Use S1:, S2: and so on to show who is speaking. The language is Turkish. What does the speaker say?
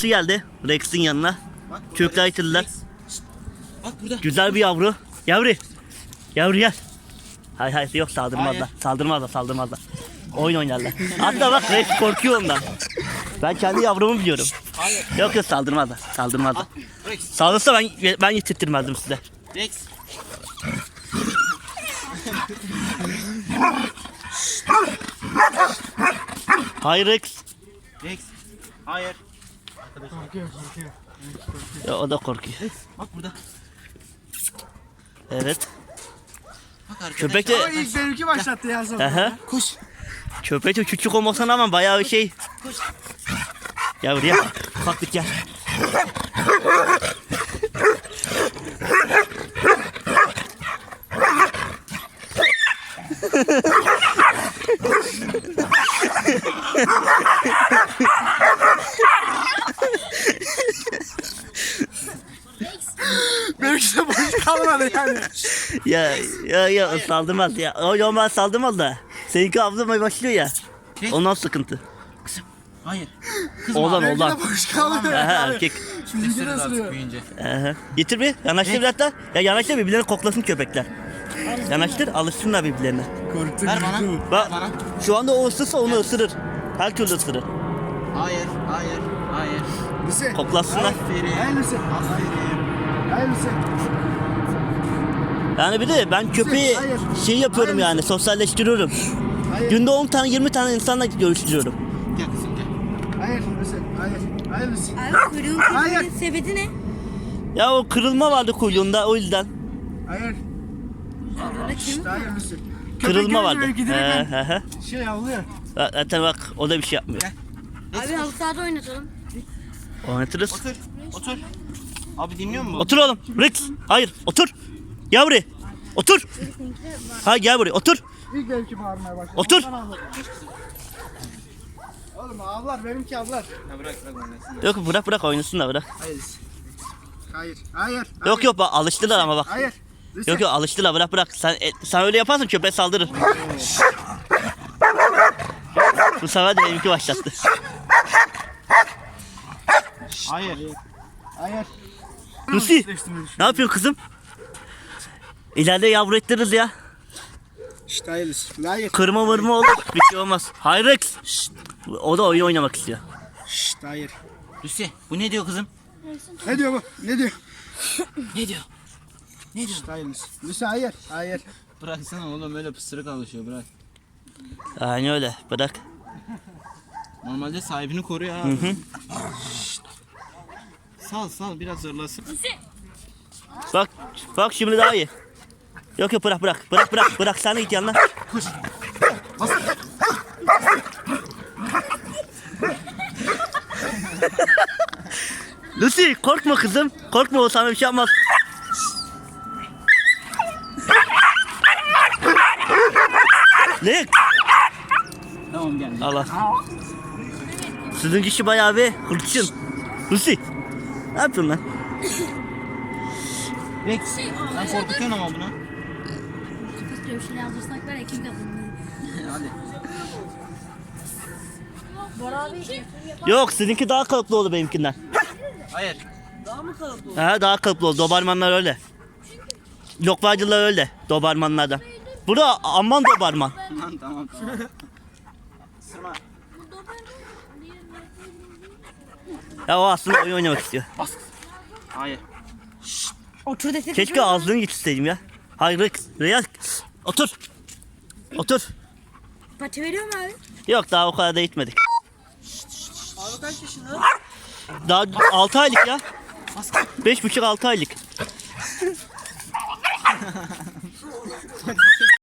S1: sıkıntı geldi Rex'in yanına. Çocuklar getirdiler.
S2: Bak burada.
S1: Güzel bir yavru. Yavru gel. Hayır yok saldırmazlar. Saldırmazlar. Oyun oynarlar. Hatta bak Rex korkuyor ondan. Ben kendi yavrumu biliyorum.
S2: Hayır.
S1: Yok saldırmazlar.
S2: Rex.
S1: Saldırsa ben getirtmezdim size.
S2: Rex.
S1: Hayır Rex.
S2: Rex. Hayır.
S3: Korkuyor.
S1: Ya, o da korkuyor.
S2: Bak burada.
S1: Evet.
S2: Bak arkadaşlar.
S1: Köpek de...
S3: O ilk benimki başlattı ya sonra.
S1: Aha.
S2: Koş.
S1: Köpek de küçük olmasına ama bayağı bir şey.
S2: Koş.
S1: Gel buraya. Ufaklık gel.
S3: Benimki de boş kalmadı yani.
S1: Ya saldırmaz ya. O normal saldırmaz da. Seninki avlamaya başlıyor ya. Ondan sıkıntı.
S2: Hayır.
S1: Oğlan.
S3: Benimki de boş kalmadı
S1: Aha,
S3: yani.
S1: erkek.
S3: Şimdi
S2: Isırır
S3: nasıl
S2: artık
S3: diyor?
S2: büyüyünce.
S1: Aha. Getir bir. Yanaştır biraz da. Ya yanaştır birbirlerini koklasın köpekler. Yanaştır alışsınlar birbirlerine.
S3: Korktum.
S2: Ver bana.
S3: korktum.
S1: Bak
S2: Ver bana.
S1: şu anda o ısırsa onu ısırır. Her türlü ısırır.
S2: Hayır.
S3: Lise.
S1: Koklasınlar.
S2: Aferin.
S3: Hayır Lise.
S2: Aferin.
S3: Hayır Lise.
S1: Yani bir de ben köpeği
S3: Hayır.
S1: şey yapıyorum
S3: Hayır.
S1: yani sosyalleştiriyorum.
S3: Hayır.
S1: Günde 10 tane 20 tane insanla görüştürüyorum.
S2: Gel kızım gel.
S3: Hayır Lise. Hayır. Hayır Lise.
S4: Abi kuyruğun
S3: Hayır.
S4: kuyruğun sebebi ne?
S1: Ya o kırılma vardı kuyruğunda o yüzden.
S3: Hayır.
S4: Kuyruğunda kemik var.
S3: Hayır Lise.
S1: Kırılma
S3: Köpek
S1: vardı.
S3: görünce belki direkt şey avlıyor.
S1: Zaten bak o da bir şey yapmıyor.
S4: Abi halı sahada oynatalım.
S1: Oynatırız.
S2: Otur. Abi dinliyor musun?
S1: Otur oğlum. Rex. Hayır otur. Gel buraya. Otur. Hayır gel buraya otur.
S3: İlk benimki bağırmaya başladı.
S1: Otur.
S3: Ondan avladı. Oğlum avlar benimki avlar.
S2: Ya bırak oynasın.
S1: Yok bırak oynasın da bırak.
S3: Hayır. Hayır. Hayır.
S1: Yok bak alıştılar ama bak.
S3: Hayır. Lise.
S1: Yok alıştılar bırak. Sen öyle yaparsan köpeğe saldırır. Bu sefer de benimki başlattı.
S2: Hayır.
S3: Hayır.
S1: Lucy ne yapıyorsun kızım? İleride yavru ettiririz ya.
S3: İşte hayır Lise. Hayır.
S1: Kırma vırma olur. Bir şey olmaz. Hayır Rex. O da oyun oynamak istiyor.
S3: İşte hayır.
S2: Lucy bu ne diyor kızım?
S3: Ne diyor bu? Ne diyor?
S2: Ne diyor?
S3: İşte hayır Lise. Lise hayır. Hayır.
S2: Bıraksana oğlum öyle pısırık alışıyor bırak.
S1: Aynen öyle. Bırak.
S2: Normalde sahibini koruyor abi. Şşt. Sal biraz zorlasın.
S1: Bak şimdi daha iyi. Yok bırak sen de git yanına.
S2: Koş. Bas.
S1: Lucy korkma kızım. Korkma o sana bir şey yapmaz. Ne?
S2: Tamam gel.
S1: Allah. Sizin kişi bayağı bir hırçın. Lucy. Ne yapıyorsun lan?
S2: Rex. Sen korkutuyorsun ama bunu.
S4: Kafasına bir şey yazdırsak var ya kim kazanır?
S2: Hadi.
S4: Bora abi.
S1: Yok sizinki daha kalıplı oldu benimkinden.
S2: Hayır.
S1: Daha kalıplı oldu. Dobermanlar öyle. Lokvacılar öyle. Dobermanlardan. Bu da Alman Doberman.
S2: Tamam. Sırma.
S1: Ya o aslında oyun oynamak istiyor.
S2: Hayır.
S4: Otur desek.
S1: Keşke ağzını getirseydim ya. Hayır Real. Otur.
S4: Pati veriyor mu abi?
S1: Yok daha o kadar da gitmedik.
S3: Abi kaç yaşında?
S1: Daha 6 aylık ya. 5,5-6 aylık.